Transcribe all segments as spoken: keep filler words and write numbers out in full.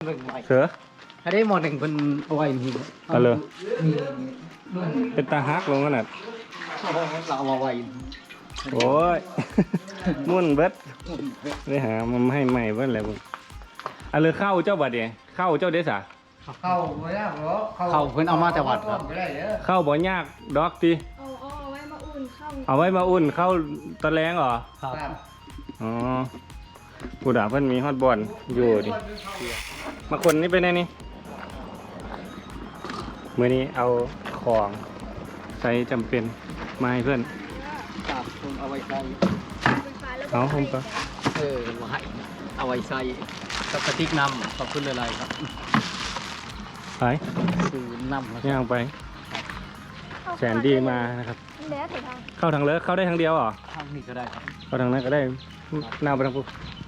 เสือถ้าได้หมอหนึ่งเป็นเอาไว้นี่เอาเลยมีเป็นตาฮักลงขนาดเราเอาไว้โอ้ย มุ่นเบิดได้หามันให้ใหม่เบิดแล้วบุญเอาเลยเข้าเจ้าบัดเดียเข้าเจ้าเดซ่าเข้าไม่ได้หรอเขาเพิ่นเอามาแต่วัดครับไม่ได้เด้อเข้าบ่ยากดอกตีเอาเอาเอาไว้มาอุ่นข้าวเอาไว้มาอุ่นเข้าตะแรงเหรอครับอ๋อกูด่าเพิ่นมีฮอตบอลอยู่ดิมาคนนี้ไปไหนนี่มื้อนี้เอาของใช้จำเป็นมาให้เพื่อนครับผมเอาไว้ใส่เป็นฟ้าแล้วเอาผมก็เออไว้เอาไว้ใส่กับกระติกน้ำขอบคุณหลายๆครับไปซื้อน้ำแล้วย่างไปแสนดีมานะครับแล้วแต่ทางเข้าทางเลิกเข้าได้ทางเดียวเหรอทางนี้ก็ได้ครับเข้าทางนั้นก็ได้หน้าไปทางปุ๊บ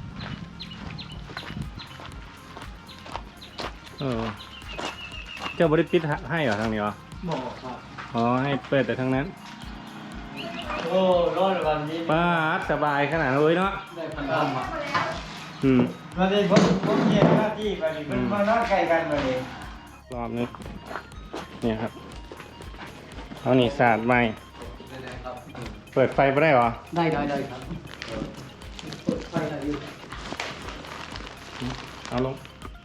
เออเจ้าบริปิดให้เหรอทางนี้เหรอบอกครับอ๋อให้เปิดแต่ทางนั้นโอ้ร้อนวันนี้ป้าดสบายขนาดนั้นเลยเนาะได้พันน้ำมาอืมวันนี้ผมผมเยี่ยมหน้าที่ไปนี่มันมานอนใกล้กันมาเลยรอบนึงเนี่ยครับเอานี่สาดใหม่ได้ครับเปิดไฟไม่ได้เหรอได้ได้ได้ครับเปิดไฟได้อยู่เอาลง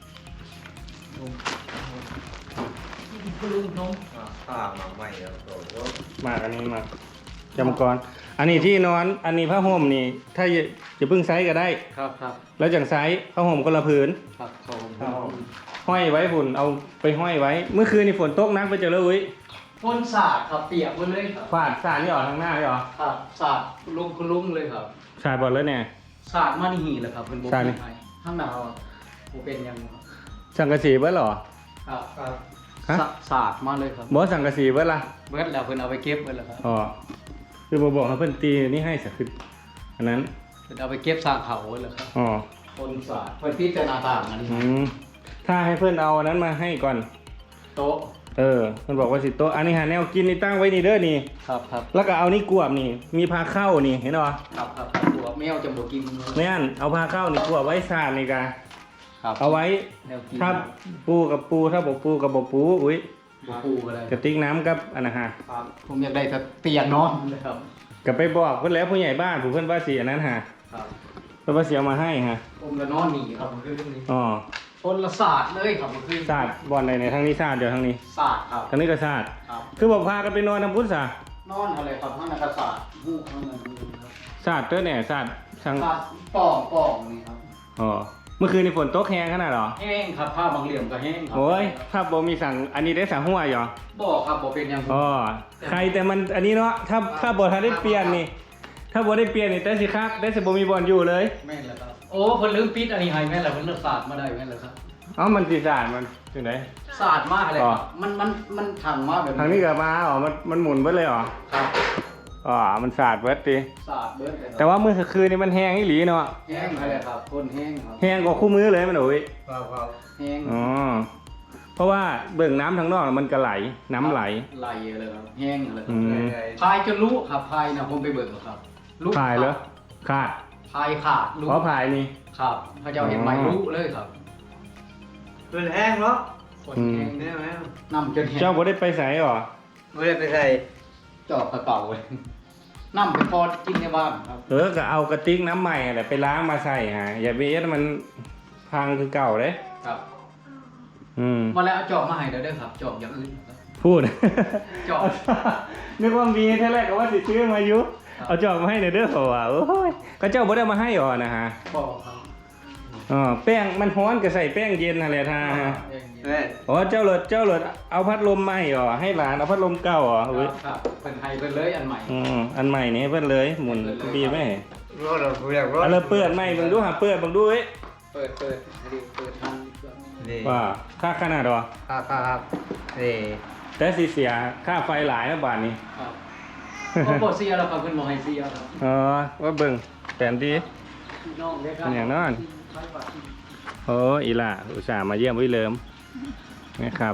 คุณลุงน้องข้ามาใหม่แล้วโตมาอันนี้มาจำกรอันนี้ที่นอนอันนี้ผ้าห่มนี่ ถ้าอย่าอย่าเพิ่งไซส์ก็ได้ครับครับแล้วจังไซส์ผ้าห่มคนละผืนครับขอบคุณครับผมห้อยไว้ฝุ่นเอาไปห้อยไว้ เมื่อคืนนี่ฝนตกนักไปเจอเลยอุ้ยพ่นสาดครับเปียกหมดเลยครับฝาดสาดนี่ออกทางหน้านี่หรอครับสาดคุณลุงคุณลุงเลยครับสาดบอดแล้วเนี่ยสาดมานี่หีเลยครับเป็นโบสาดนี่ไทยข้างหนาวโบเป็นยังครับสังกะสีเบิดเหรอครับครับฮะสาสาดมาเลยครับบอสสังกะสีเบิดละเบิดแล้วเพิ่นเอาไปเก็บไว้แล้วครับอ๋อคือบอกให้เพิ่นตีนี่ให้สักคืออันนั้นเพิ่นเอาไปเก็บสร้างเขาไว้แล้วครับอ๋อพ่นสาดเพิ่นพิจารณาต่างอันนี้อืมถ้าให้เพื่อนเอาอันนั้นมาให้ก่อนโต๊ะเออมันบอกว่าสิโต๊ะอันนี้หาแนวกินนี่ตั้งไว้นี่เด้อนี่ครับครับแล้วก็เอานี่กวบนี่ มีพาเข้านี่เห็นป่ะครับครับตัวแมวจะบ่กินไม่อันเอาพาเข้านี่กวบไว้สาดนี่กะครับเอาไว้แนวกินถ้าปูกับปูถ้าบอกปูกับบอกปูอุ้ยบ่ปูก็ได้กระติกน้ำกับอันนะฮะครับผมอยากได้แต่เตียงนอนเลยครับกับไปบอกเพื่อนแล้วผู้ใหญ่บ้านผู้เพื่อนว่าสีอันนั้นฮะครับเพื่อนว่าสีเอามาให้ฮะผมจะนอนหนีครับมันคือเรื่องนี้อ๋อพ่นละสาดเลยครับมันคือสาดบอลในในทางนี้สาดเดี๋ยวทางนี้สาดครับทางนี้ก็สาดครับคือบอกพากันไปนอนทำพุทธศาสนอนอะไรครับข้างในกระสาดหูข้างในครับสาดเต้อเนี่ยสาดช่างสาดป่องป่องนี่ครับอ๋อเมื่อคืนนี่ฝนตกแห้งขนาดเหรอแห้งครับผ้าบางเหลี่ยมก็แห้งครัโอ้ยถ้าบอมีสั่งอันนี้ได้สั่งหัวเหรอบอกครับบอกเป็นยังอ๋อใครแต่มันอันนี้เนาะถ้าถ้าบอทันได้เปลี่ยนนี่ ถ้าบอได้เปลี่ยนนี่แต่สิคักได้สิบมีบอลอยู่เลยแม่นแล้วครับโอ้เพิ่นลืมปิดอันนี้ให้แม่นแล้วเพิ่นเลือกสาดมาได้แม่นแล้วครับเอ้ามันสีสาดมันถึงไหนสาดมากเลยครับมันมันมันถังมากแบบทางนี้ก็มาอ๋อมันมันหมุนเบิดเลยเหรอครับอ๋อมันสาดเบิดดิสาดเบิดเลยแต่ว่าเมื่อคืนนี่มันแห้งอีหลีเนาะแห้งอะไรครับคนแห้งครับแห้งกว่าคู่มือเลยมันโอ้ยครับครับแห้งอ๋อเพราะว่าเบิ่งน้ำทางนอกมันก็ไหลน้ำไหลไหลเลยครับแห้งเลยคอืรับมพายจนรู้ครับพายนะผมไปเบิกครับรู้พายเหรอขาดพายขาดรู้เพราะพายนี่ครับพระเจ้าเห็นไหมรู้เลยครับเป็นแห้งเนาะคนแห้งเนี่ยไหมน้ำจนแห้งเจ้าบ่ได้ไปใส่หรอไม่ได้ไปใส่จอบกระเป๋าเลยน้ำไปพอกินในบ้านครับเออก็เอากระติกน้ำใหม่แหละไปล้างมาใส่ฮะอย่าไปเอ็ดมันพังคือเก่าเลยครับอืมมาแล้วเอาจอบมาให้เดี๋ยวเด้อครับจอบอย่างอื่นครับพูดจอบนึกว่ามีแท้แรกก็ว่าสิซื้อมาอยู่ครับเอาจอบมาให้หน่อยเด้อเพราะว่าโอ้ยก็เจ้าบ่ได้มาให้หรอนะฮะบอกครับอ๋อแป้งมันร้อนก็ใส่แป้งเย็นนั่นแหละท่าฮะแม่อ๋อเจ้าเลิศเจ้าเลิศเอาพัดลมมาให้หรอให้หลานเอาพัดลมเก่าหรอคเว้ยรับครับเป็นไทยเป็นเลยอันใหม่อืมอันใหม่นี่ให้เพิ่นเลยหมุนดีไหมร้อนเราเรียกร้อนเอาเลยเปิดใหม่เบิ่งดูหาเปิดเบิ่งดูเว้ยเปิดเปิดให้ดูเปิดทางดีกว่านี่ว่าค่าขนาดหรอครับครับครับนี่แต่สิเสียค่าไฟหลายนะบาทนี้ครับโอ้โหเสียแล้วครับเพิ่นบอกให้เสียครับอ๋อว่าเบิ่งแผนดีพี่น้องเด้อครับเป็นอย่างนั้น โอ้อีหล่าอุตส่าห์มาเยี่ยมวิเลิมนะครับ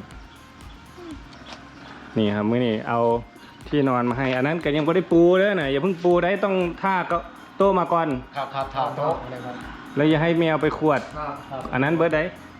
นี่ครับมื้อนี้เอาที่นอนมาให้ อันนั้นก็ยังไม่ได้ปูเลยนะอย่าเพิ่งปูได้ต้องท่าก็โตมาก่อนครับครับถามโต๊ะเลยครับแล้วอย่าให้แมวไปขวดครับครับอันนั้นเบิร์ดได้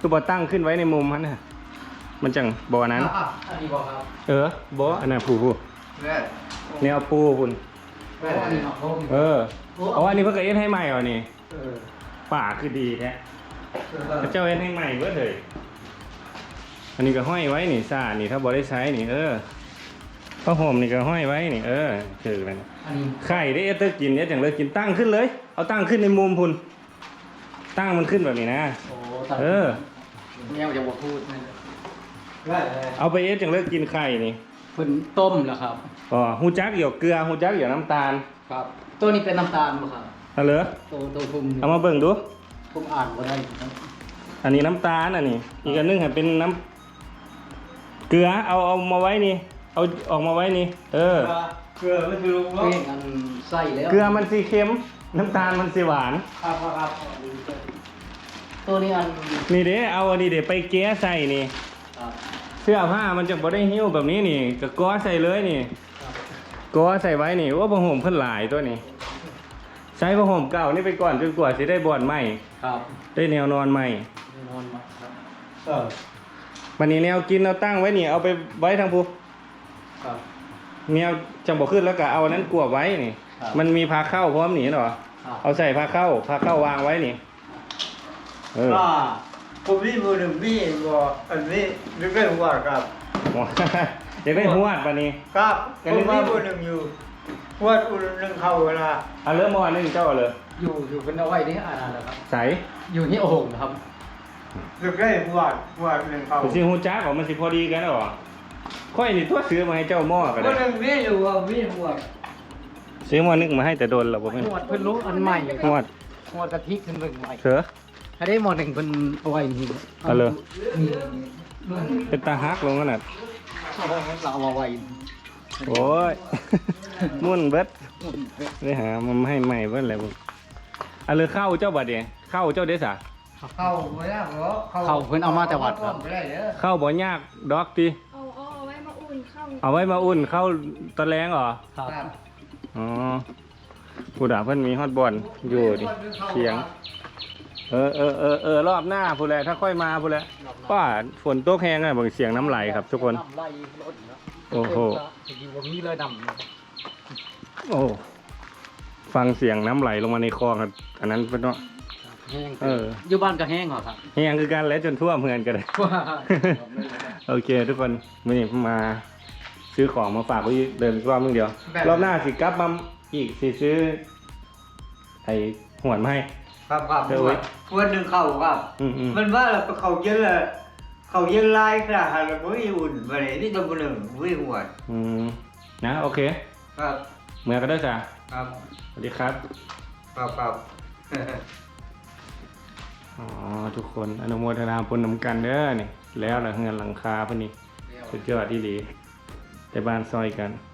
คือบ่ตั้งขึ้นไว้ในมุมมันน่ะมันจังบ่อนั้นอ่ะอันนี้บอกครับเออบ่อันนั้นผู้ผู้แม่แนวปูพุ่นโอ้อันนี้เนาะผมเออเอาอันนี้เพิ่นก็เอ็ดให้ใหม่เหรอนี่เออป่าคือดีแท้พระเจ้าเอ็ดให้ใหม่เบิดเลยอันนี้ก็ห้อยไว้นี่ซ่านี่ถ้าบ่ได้ใช้นี่เออผ้าห่มนี่ก็ห้อยไว้นี่เออถือแล้วอันนี้ไข่ได้เอสเตอร์กินเนี่ยจังเลยกินตั้งขึ้นเลย เอาตั้งขึ้นในมุมพุ่นตั้งมันขึ้นแบบนี้นะโอ้ตัดเออเนี่ยจะบอกพูดนะแม่เอาไปเอสจังเลยกินไข่นี่เพิ่นต้มแล้วครับอ๋อฮูจักเหี่ยวเกลือฮูจักเหี่ยวน้ำตาลครับ ตัวนี้เป็นน้ำตาลบ่ครับเอาเลยตัวตัวผมเอามาเบิ่งดูผมอ่านบ่ได้ครับอันนี้น้ำตาลอันนี้ อีกอันหนึงให้เป็นน้ำเกลือเอาเอามาไว้นี่ เอาออกมาไว้นี่ เออเกลือมันคือลูกเพ่งอันใส่แล้วเกลือมันสีเค็ม น้ำตาลมันสีหวานครับครับตัวนี้อันนี่เด้เอาอันนี้เด้ไปแก้ใส่นี่ครับเสื้อผ้ามันจะบ่ได้หิ้วแบบนี้นี่ก็ก้อใส่เลยนี่ครับก้อใส่ไว้นี่ว่าผ้าห่มเพิ่นหลายตัวนี้ ใช้ผ้าห่มเก่านี่ไปก่อนจนกว่าสิได้บอนใหม่ครับได้แนวนอนใหม่นอนมาครับเออวันนี้แนวกินเราตั้งไว้นี่เอาไปไว้ทางภูครับแนวจังบ่ขึ้นแล้วก็เอาอันนั้นกลัวไว้นี่ครับมันมีพาเข้าพร้อมหนีเหรอครับเอาใส่พาเข้าพาเข้าวางไว้นี่ เอออ่าผมมีมือหนึ่งมีบอกอันนี้นึกได้ว่าครับอยากได้หวดปะนี่ครับผมมีมือหนึ่งอยู่วดอุ่นหนึ่งเข้าเวลาเอาเริ่มมอนึงเจ้าเอาเลยอยู่อยู่เป็นเอาไว้นี่อ่านแล้วครับใส่อยู่ที่โอ่งนะครับนึกได้วดวดหนึ่งเข้าผมสิฮู้จักว่ามันสิพอดีกันหรอค่อยนี่ตัวซื้อมาให้เจ้าหม้อก็มืได้อหนึ่งมีอยู่ว่ามีหัวซื้อหม้อนึงมาให้แต่โดนแล้วบ่แม่นหมวดเพิ่นรู้อันใหม่หวดหมวดกะทิขึ้นเบิ่งใหม่เถอะถ้าได้หมวดหนึ่งเพิ่นเอาไว้นี่เอาเลยนี่รุ่นเป็นตาฮักลงขนาดเราเอามาไว้โอ้ย มุ่นเบิดได้หามันให้ใหม่เบิดแล้วบ่เอาเลยเข้าเจ้าบัดเด้เข้าเจ้าเด้ซะเข้าไม่ได้หรอเขาเพิ่นเอามาจากวัดครับไม่ได้เด้อเข้าบ่ยากดอกติเอาเอาเอาไว้มาอุ่นเข้าเอาไว้มาอุ่นเข้าตะแลงเหรอครับอ๋อผู้ด่าเพิ่นมีฮอตบอลอยู่ดิเสียง เออเออเออเออรอบหน้าผู้แลถ้าค่อยมาผู้แลป้าฝนตกแห้งอ่ะเบิ่งเสียงน้ำไหลครับทุกคนน้ำไหลรถเนาะโอ้โหอยู่บ่มีเลยดำเนาะโอ้ฟังเสียงน้ำไหลลงมาในคลองครับอันนั้นเป็นเนาะแห้งเอออยู่บ้านก็แห้งเหรอครับแห้งคือกันแล้วจนทั่วเมืองกันเลย โอเค ทุกคนวันนี้มาซื้อของมาฝากไว้เดินรอบนึงเดียว รอบหน้าสิกลับมาอีกสิซื้อไอ้หวนมาให้ครับครับเดี๋ยวไว้วดหนึ่งเข้าครับอืมอืมมันว่าเราเขาเย็นละเขาเย็นลายขนาดเราไม่อุ่นไปไหนนี่ตัวหนึ่งไม่หัวอืมนะโอเคครับเมื่อก็ได้จ้ะครับสวัสดีครับครับครับอ๋อทุกคนอนุโมทนาบุญนำกันเด้อนี่แล้วหลังเงินหลังคาพวกนี้สุดยอดที่ดีแต่บ้านซอยกัน